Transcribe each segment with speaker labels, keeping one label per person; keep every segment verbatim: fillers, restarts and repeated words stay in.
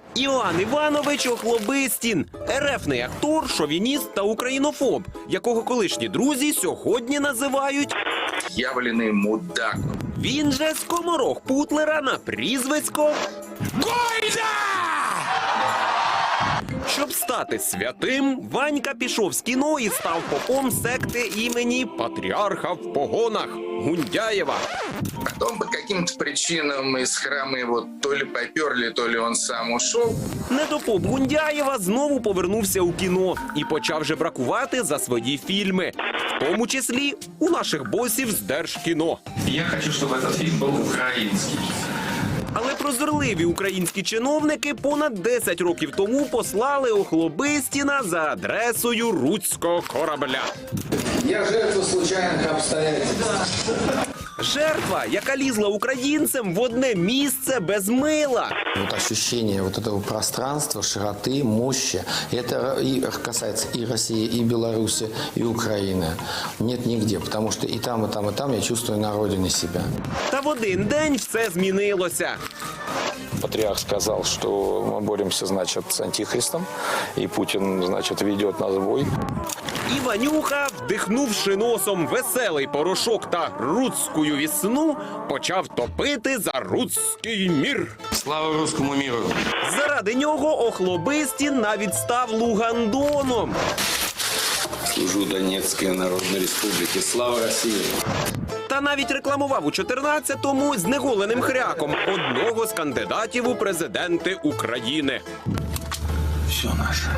Speaker 1: Іван Іванович Охлобистін – ерефний актор, шовініст та українофоб, якого колишні друзі сьогодні називають
Speaker 2: «Явлений мудак».
Speaker 1: Він же скоморох Путлера на прізвисько
Speaker 3: Гойда!
Speaker 1: Щоб стати святим, Ванька пішов з кіно і став попом секти імені Патріарха в погонах Гундяєва.
Speaker 2: Потом по каким-то причинам из храма его то ли поперли, то ли он сам ушел.
Speaker 1: Недопоп Гундяєва знову повернувся у кіно і почав жебракувати за свої фільми. В тому числі у наших босів з Держкіно.
Speaker 4: Я хочу, чтобы этот фильм был украинский.
Speaker 1: Але прозорливі українські чиновники понад десять років тому послали Охлобистіна за адресою руського корабля.
Speaker 5: Я жертва случайних обстоятельств.
Speaker 1: Жертва, яка лізла українцям в одне місце без мила.
Speaker 5: Вот ощущение вот этого пространства, широты, мощи, это и касается и России, и Беларуси, и Украины. Нет нигде, потому что и там, и там, и там я чувствую на родине себя.
Speaker 1: Та в один день все змінилося.
Speaker 6: Патриарх сказал, что мы боремся, значит, с антихристом, и Путин, значит, ведет нас в бой.
Speaker 1: І Ванюха, вдихнувши носом веселий порошок та руцькую вісну, почав топити за руцький мір.
Speaker 4: Слава русскому миру!
Speaker 1: Заради нього Охлобистін навіть став Лугандоном.
Speaker 7: Служу Донецкой Народной Республике. Слава России!
Speaker 1: Та навіть рекламував у чотирнадцятому з неголеним хряком одного з кандидатів у президенти України.
Speaker 4: Все наше.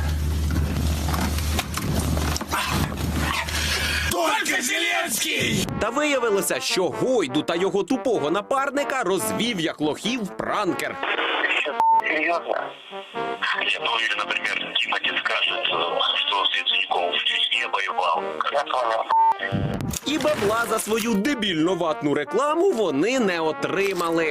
Speaker 4: Только Зеленский!
Speaker 1: Та виявилося, що Гойду та його тупого напарника розвів як лохів пранкер.
Speaker 8: Серьезно? Я бы уверен, например, Тимати скажет, что с Яценюком в Чечне воевал. Я понял.
Speaker 1: І бабла за свою дебільно-ватну рекламу вони не отримали.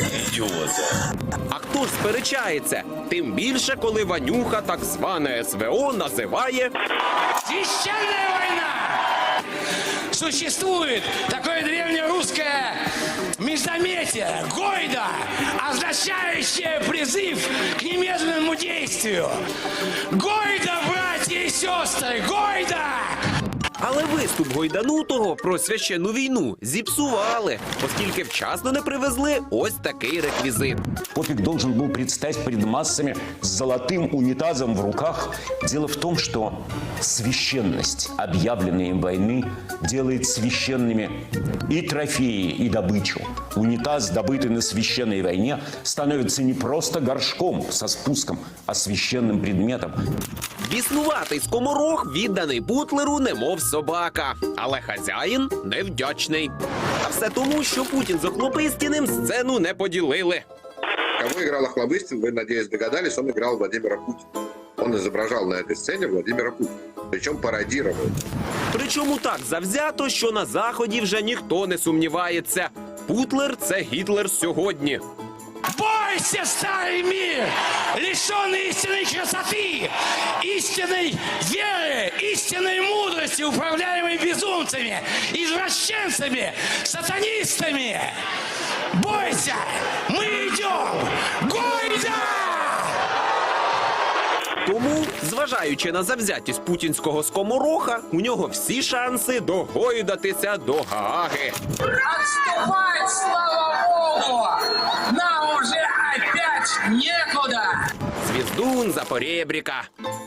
Speaker 1: А хто ж сперечається? Тим більше, коли Ванюха так зване ес ве о називає
Speaker 3: Священная война! Существует такое древнерусское междометие «Гойда», означающее призыв к немедленному действию. Гойда, братья и сестры, гойда!
Speaker 1: Але виступ Гойданутого про священну війну зіпсували, оскільки вчасно не привезли ось такий реквізит.
Speaker 9: Попик должен был предстать перед массами с золотым унитазом в руках. Дело в том, что священность объявленной им войны делает священными и трофеи, и добычу. Унитаз, добытый на священной войне, становится не просто горшком со спуском, а священным предметом.
Speaker 1: Біснуватий скоморох відданий Путлеру немов собака, але хазяїн невдячний. А все тому, що Путін з Охлобистіним сцену не поділили.
Speaker 10: Кого играл Охлобыстин, вы, надеюсь, догадались, он играл Владимира Путина. Он изображал на этой сцене Владимира Путина, причем пародировал.
Speaker 1: Причому так завзято, що на Заході вже ніхто не сумнівається. Путлер – це Гітлер сьогодні.
Speaker 3: Бойся, старый мир, лишенный истинной красоты, истинной веры, истинной мудрости, управляемой безумцами, извращенцами, сатанистами. Бойся, мы идем! Гойда!
Speaker 1: Тому, зважаючи на завзятість путінського скомороха, у нього всі шанси догойдатися до Гааги.
Speaker 3: Отступать, слава Богу! Нам уже опять некуда!
Speaker 1: Звіздун Запорєбріка.